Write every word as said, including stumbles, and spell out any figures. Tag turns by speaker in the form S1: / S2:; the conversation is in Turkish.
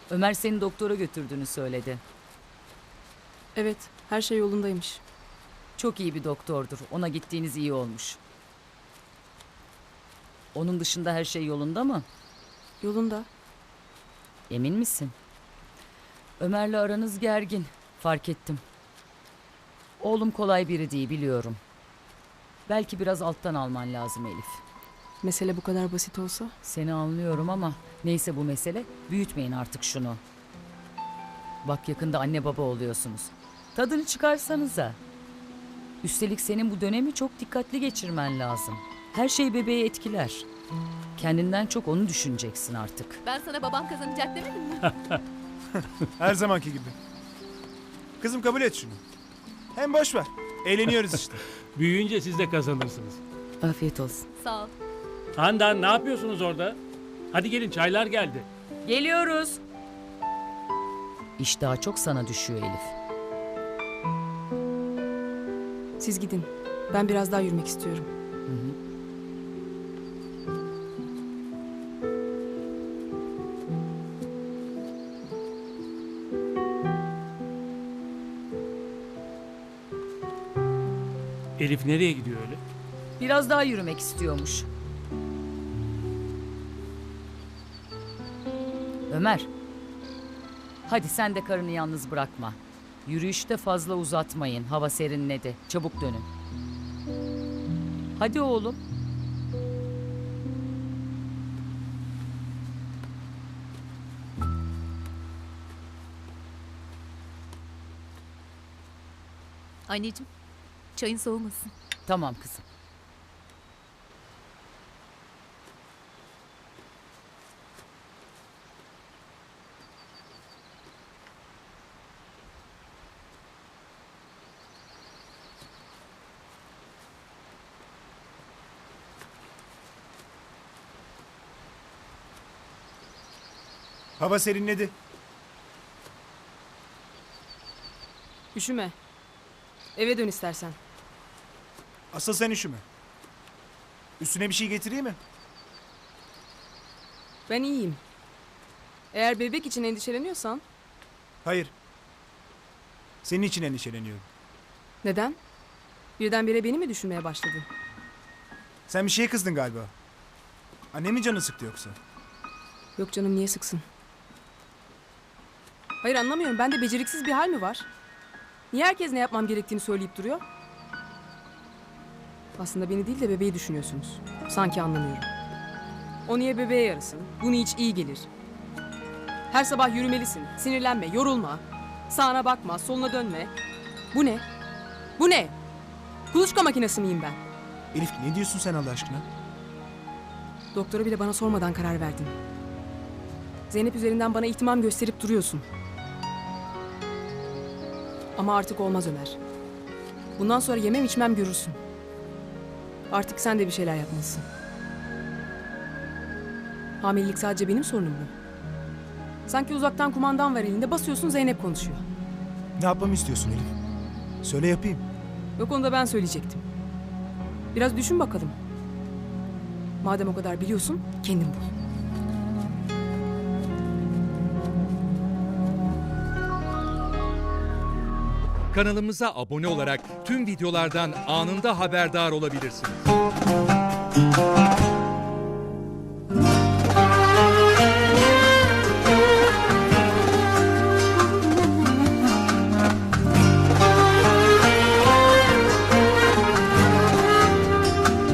S1: Ömer seni doktora götürdüğünü söyledi.
S2: Evet, her şey yolundaymış.
S1: Çok iyi bir doktordur. Ona gittiğiniz iyi olmuş. Onun dışında her şey yolunda mı?
S2: Yolunda.
S1: Emin misin? Ömer'le aranız gergin. Fark ettim. Oğlum kolay biri değil biliyorum. Belki biraz alttan alman lazım Elif.
S2: Mesele bu kadar basit olsa.
S1: Seni anlıyorum ama neyse bu mesele. Büyütmeyin artık şunu. Bak yakında anne baba oluyorsunuz. Tadını çıkarsanıza. Üstelik senin bu dönemi çok dikkatli geçirmen lazım. Her şey bebeği etkiler. Kendinden çok onu düşüneceksin artık.
S3: Ben sana babam kazanacak demedim mi?
S4: Her zamanki gibi. Kızım kabul et şunu. Hem boş ver. Eğleniyoruz işte.
S5: Büyüyünce siz de kazanırsınız.
S1: Afiyet olsun.
S3: Sağ ol.
S5: Handan ne yapıyorsunuz orada? Hadi gelin çaylar geldi.
S1: Geliyoruz. İş daha çok sana düşüyor Elif.
S2: Siz gidin. Ben biraz daha yürümek istiyorum.
S1: Hı hı.
S5: Elif nereye gidiyor öyle?
S1: Biraz daha yürümek istiyormuş. Ömer. Hadi sen de karını yalnız bırakma. Yürüyüşte fazla uzatmayın. Hava serinledi. Çabuk dönün. Hadi oğlum.
S3: Anneciğim, çayın soğumasın.
S1: Tamam kızım.
S4: Hava serinledi.
S2: Üşüme. Eve dön istersen.
S4: Asıl sen üşüme. Üstüne bir şey getireyim mi?
S2: Ben iyiyim. Eğer bebek için endişeleniyorsan...
S4: Hayır. Senin için endişeleniyorum.
S2: Neden? Birdenbire beni mi düşünmeye başladın?
S4: Sen bir şeye kızdın galiba. Annemin canı sıktı yoksa.
S2: Yok canım, niye sıksın? Hayır, anlamıyorum. Bende beceriksiz bir hal mi var? Niye herkes ne yapmam gerektiğini söyleyip duruyor? Aslında beni değil de bebeği düşünüyorsunuz. Sanki anlamıyorum. O niye bebeğe yarasın? Bu hiç iyi gelir. Her sabah yürümelisin. Sinirlenme, yorulma. Sağına bakma, soluna dönme. Bu ne? Bu ne? Kuluçka makinesi miyim ben?
S4: Elif ne diyorsun sen Allah aşkına?
S2: Doktora bile bana sormadan karar verdin. Zeynep üzerinden bana ihtimam gösterip duruyorsun. Ama artık olmaz Ömer. Bundan sonra yemem içmem görürsün. Artık sen de bir şeyler yapmalısın. Hamilelik sadece benim sorunum mu? Sanki uzaktan kumandan var elinde, basıyorsun Zeynep konuşuyor.
S4: Ne yapmamı istiyorsun Elif? Söyle yapayım.
S2: Yok, onu da ben söyleyecektim. Biraz düşün bakalım. Madem o kadar biliyorsun, kendin bul.
S6: Kanalımıza abone olarak tüm videolardan anında haberdar olabilirsiniz.